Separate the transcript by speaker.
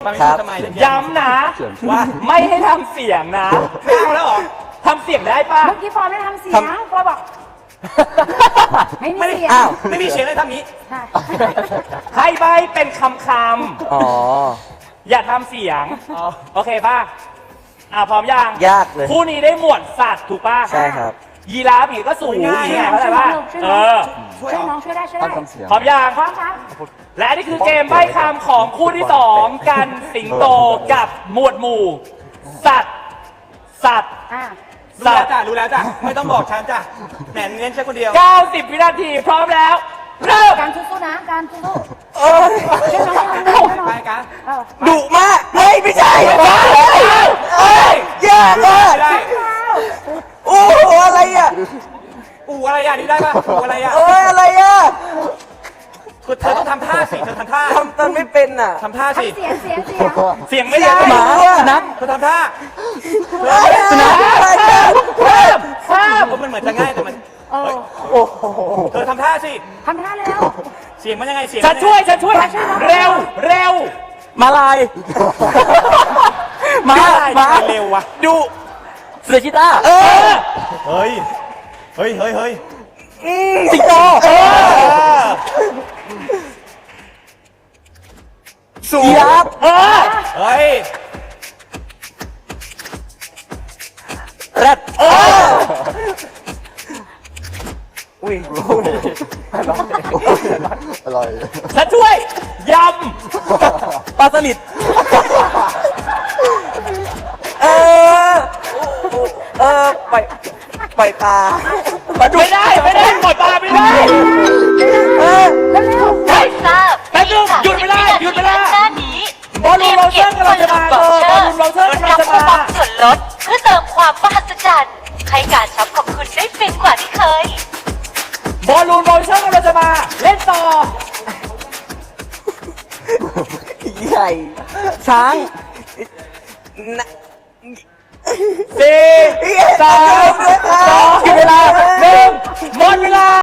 Speaker 1: ครับ
Speaker 2: ย้ำนะว่าไม่ให้ทำเสียงนะไม่เอาแล้วหรอทำเสียงได้ปะ
Speaker 3: เมื่อกี้ฟอร์มไม่ทำเสียงฟอร์มบอกไม่มีเสียง
Speaker 1: อ้าว
Speaker 2: ไม่มีเสียงเลยทำนี้
Speaker 3: ใช่
Speaker 2: ให้ใบเป็นคำ
Speaker 1: อ๋อ
Speaker 2: อย่าทำเสียงโอเคป่ะพร้อมยัง
Speaker 1: ยากเลย
Speaker 2: คู่นี้ได้หมวดสัตว์ถูกป่ะ
Speaker 1: ใช่ครับ
Speaker 2: ยีราฟอีกก็สูงง่ายเข้าใจป่ะ
Speaker 3: ช่วยน้องช่วยได้ช่วยได้
Speaker 2: พร้อมยัง
Speaker 3: พร้อมครับ
Speaker 2: และนี่คือเกมใบ้คำของคู่ที่2กันสิงโตกับหมวดหมู่ สัตว์
Speaker 4: รู้แล้วจ้ะรู้แล้วจ้ะไม่ต้องบอกฉันจ้ะแหมเน้นแค่คนเดียว
Speaker 2: 90 วินาทีพร้อมแล้ว เริ่ม
Speaker 3: การสู้ๆนะการสู้ๆช่วยน้องช่วยน้อง
Speaker 4: ไปกัน
Speaker 1: ดุมากเฮ้ยไม่ใช่เอ้ยยากมาก
Speaker 4: ได้
Speaker 1: โอ้โหอะไรอ่ะ
Speaker 4: อูอะไรอ่ะนี่ได้ป่ะอูอะไรอ่ะ
Speaker 1: เอ้ยอะไรอ่ะ
Speaker 4: คือเธอต้องทำท่าสิเธอทำท่า
Speaker 1: ทำตอนไม่เป็นอ่ะ
Speaker 4: ทำท่าสิ
Speaker 3: เสียง
Speaker 2: เสียงไม่ได้
Speaker 1: หมานัก
Speaker 4: เธอทำท่า
Speaker 1: สุนัขอะไรกัน
Speaker 2: ข้าม
Speaker 4: มันเหมือนจะง่ายแต่มัน
Speaker 1: โอ้โห
Speaker 4: เธอทำท่าสิ
Speaker 3: ทำท่าเร็ว
Speaker 4: เสียงมันยังไงเสียง
Speaker 2: ฉันช่วยเร็ว
Speaker 1: มาลายมา
Speaker 4: เร็ววะ
Speaker 1: ดุเสือชีต้า
Speaker 4: เฮ้ย
Speaker 1: สิงโตสูยับ
Speaker 4: เฮ้ย
Speaker 1: แรดอุ้ย
Speaker 5: อร่อย
Speaker 2: ฉันช่วยย
Speaker 1: ปลาสลิดปล่อยปลา
Speaker 2: ำไม่ได้ปล่อยปลาไม่ได้
Speaker 3: ๆ
Speaker 6: ไม่ทราบ
Speaker 2: แป๊บนึงหยุดเวลา
Speaker 6: หน้านี้
Speaker 2: บอลลูนโรเซอร์กำลังจะมาบอลลูนโรเซอร์กำลังจะ
Speaker 6: คู
Speaker 2: มา
Speaker 6: ปองส่วนลดเพื่อเติมความมหัศจรรย์ให้การช็อปของคุณได้ฟินกว่าที่เคย
Speaker 2: บอลลูนโรเซอร์กำลังจะมาเล่นต่อ
Speaker 1: ใหญ่ช้าง
Speaker 2: 4 3 2 1หมดเวลา